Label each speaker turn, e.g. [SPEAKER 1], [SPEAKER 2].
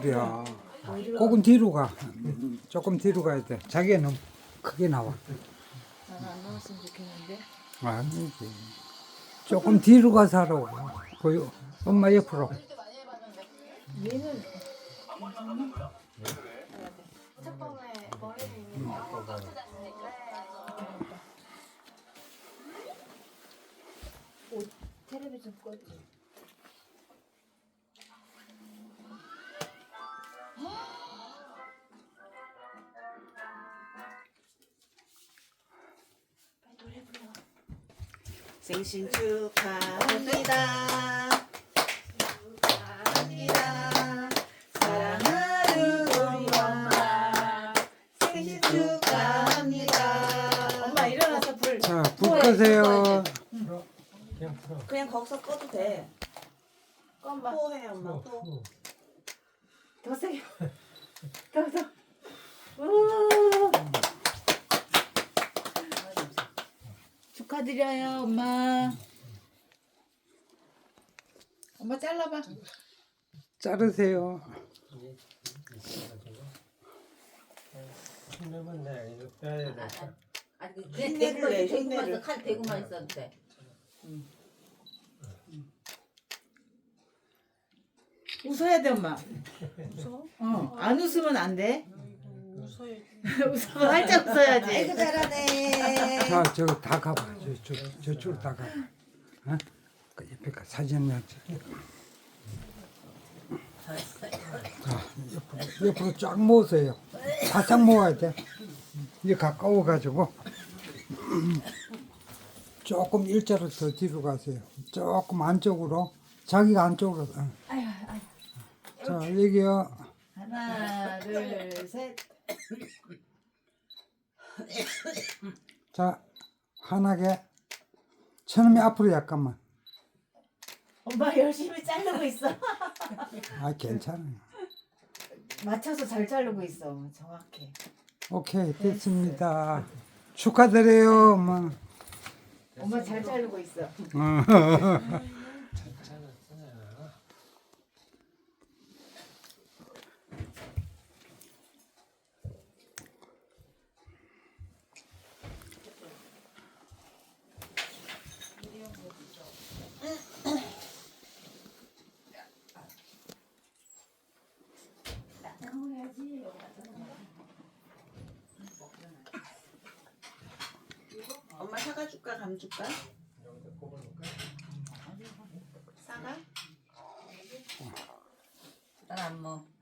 [SPEAKER 1] 소리야. 조금 뒤로 가. 조금 뒤로 가야 돼. 자기가 너무 크게 나와.
[SPEAKER 2] 나는 안 나왔으면 좋겠는데.
[SPEAKER 1] 아니지. 조금 뒤로 가서 하라고. 그 엄마 옆으로.
[SPEAKER 2] 얘는
[SPEAKER 3] 첫번에 머리를 있는 거 똑같지 않습니까?
[SPEAKER 2] 옷 텔레비전 꺼지.
[SPEAKER 4] 생신 축하합니다. 축하합니다. 사랑하는 우리 엄마. 생신 축하합니다. 엄마 일어나서 불.
[SPEAKER 1] 자, 불 끄세요.
[SPEAKER 4] 그냥 거기서 꺼도 돼.
[SPEAKER 2] 엄마
[SPEAKER 4] 포해 엄마 포.
[SPEAKER 2] 더 세게. 더. 축하드려요, 엄마. 엄마 잘라봐.
[SPEAKER 1] 자르세요.
[SPEAKER 5] 힘내면 돼. 이거 빼야 돼.
[SPEAKER 6] 아니
[SPEAKER 4] 흉내를 내, 흉내를.
[SPEAKER 6] 대구만 칼 대구만 있어도 돼.
[SPEAKER 2] 웃어야 돼, 엄마. 웃어? 안 웃으면 안 돼. 웃으면 활짝 웃어야지.
[SPEAKER 4] 아이고 잘하네.
[SPEAKER 1] 자, 저거 다 가봐. 저쪽으로 다 가봐. 어? 그 옆에 가 사진 넣자. 자, 옆으로 쫙 모으세요. 바싹 모아야 돼. 이제 가까워가지고 조금 일자로 더 뒤로 가세요. 조금 안쪽으로. 자기가 안쪽으로. 자, 여기요.
[SPEAKER 2] 하나, 둘, 셋.
[SPEAKER 1] 자, 환하게. 처음에 앞으로 약간만.
[SPEAKER 2] 엄마 열심히 자르고 있어.
[SPEAKER 1] 아, 괜찮아요.
[SPEAKER 2] 맞춰서 잘 자르고 있어. 정확해.
[SPEAKER 1] 오케이, 됐습니다. 축하드려요, 엄마.
[SPEAKER 2] 엄마 잘 자르고 있어.
[SPEAKER 4] 엄마 사과 줄까 감 줄까? 사과?
[SPEAKER 6] 난 안 먹어.